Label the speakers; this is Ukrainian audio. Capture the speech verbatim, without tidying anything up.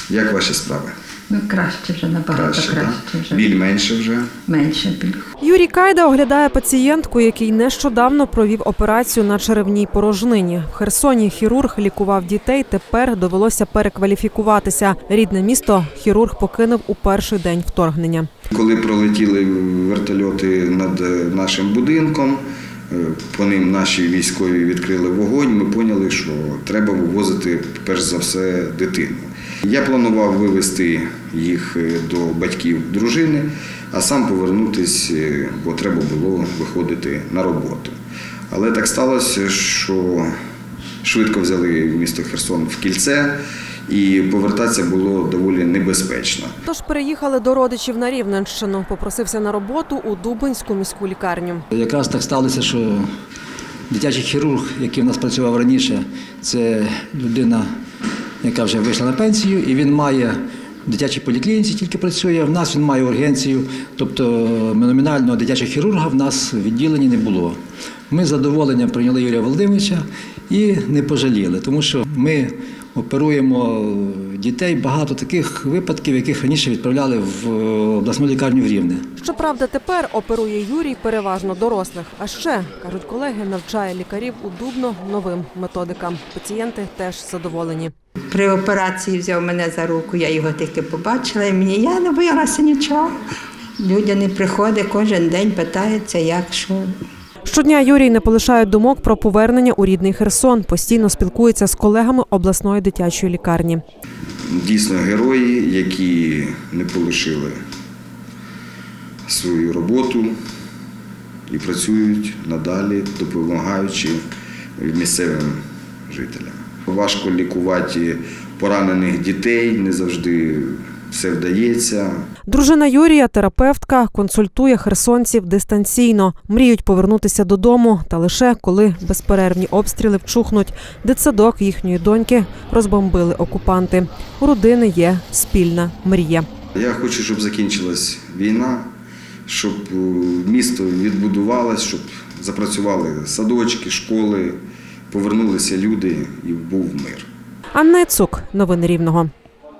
Speaker 1: Як ваші справи?
Speaker 2: Ну, краще вже, набагато краще.
Speaker 1: краще
Speaker 2: вже.
Speaker 1: Біль менше вже?
Speaker 2: Менше біль.
Speaker 3: Юрій Кайда оглядає пацієнтку, який нещодавно провів операцію на черевній порожнині. В Херсоні хірург лікував дітей, тепер довелося перекваліфікуватися. Рідне місто хірург покинув у перший день вторгнення.
Speaker 1: Коли пролетіли вертольоти над нашим будинком, по ним наші військові відкрили вогонь, ми поняли, що треба вивозити, перш за все, дитину. Я планував вивезти їх до батьків дружини, а сам повернутися, бо треба було виходити на роботу. Але так сталося, що швидко взяли місто Херсон в кільце, і повертатися було доволі небезпечно.
Speaker 3: Тож переїхали до родичів на Рівненщину. Попросився на роботу у Дубинську міську лікарню.
Speaker 4: Якраз так сталося, що дитячий хірург, який в нас працював раніше, це людина, яка вже вийшла на пенсію, і він має в дитячій поліклініці тільки працює, в нас він має ургенцію, тобто номінального дитячого хірурга в нас в відділенні не було. Ми з задоволенням прийняли Юрія Володимировича і не пожаліли, тому що ми оперуємо дітей, багато таких випадків, яких раніше відправляли в обласну лікарню в Рівне.
Speaker 3: Щоправда, тепер оперує Юрій переважно дорослих. А ще, кажуть колеги, навчає лікарів у Дубно новим методикам. Пацієнти теж задоволені.
Speaker 2: При операції взяв мене за руку, я його тільки побачила, і мені я не боялася нічого. Люди не приходять, кожен день питаються, як, що.
Speaker 3: Щодня Юрій не полишає думок про повернення у рідний Херсон. Постійно спілкується з колегами обласної дитячої лікарні.
Speaker 1: Дійсно герої, які не полишили свою роботу і працюють надалі, допомагаючи місцевим жителям. Важко лікувати поранених дітей, не завжди все вдається.
Speaker 3: Дружина Юрія, терапевтка, консультує херсонців дистанційно. Мріють повернутися додому, та лише коли безперервні обстріли вчухнуть. Дитсадок їхньої доньки розбомбили окупанти. У родини є спільна мрія.
Speaker 1: Я хочу, щоб закінчилась війна, щоб місто відбудувалось, щоб запрацювали садочки, школи, повернулися люди і був мир.
Speaker 3: Анна Цук, новини Рівного.